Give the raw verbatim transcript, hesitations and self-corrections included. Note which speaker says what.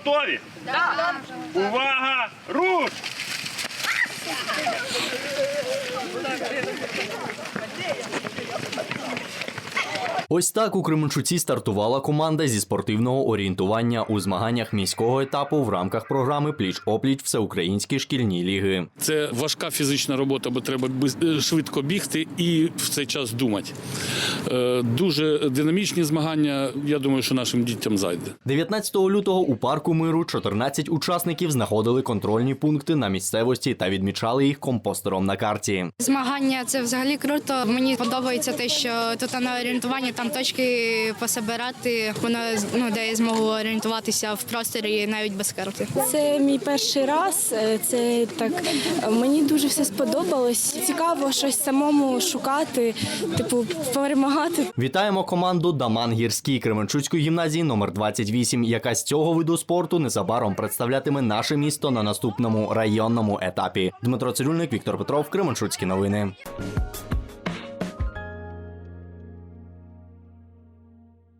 Speaker 1: Готові? Так. Увага! Руш!
Speaker 2: Ось так у Кременчуці стартувала команда зі спортивного орієнтування у змаганнях міського етапу в рамках програми «Пліч-опліч» Всеукраїнські шкільні ліги.
Speaker 3: Це важка фізична робота, бо треба швидко бігти і в цей час думати. Дуже динамічні змагання, я думаю, що нашим дітям зайде.
Speaker 2: дев'ятнадцятого лютого у парку Миру чотирнадцять учасників знаходили контрольні пункти на місцевості та відмічали їх компостером на карті.
Speaker 4: Змагання – це взагалі круто. Мені подобається те, що тут на орієнтуванні там точки пособирати, воно ну, дає я змогу орієнтуватися в просторі навіть без карти.
Speaker 5: Це мій перший раз, це так, мені дуже все сподобалось. Цікаво щось самому шукати, типу перемагати.
Speaker 2: Вітаємо команду «Даман Гірський» Кременчуцької гімназії номер двадцять вісім, яка з цього виду спорту незабаром представлятиме наше місто на наступному районному етапі. Дмитро Цирюльник, Віктор Петров, Кременчуцькі новини.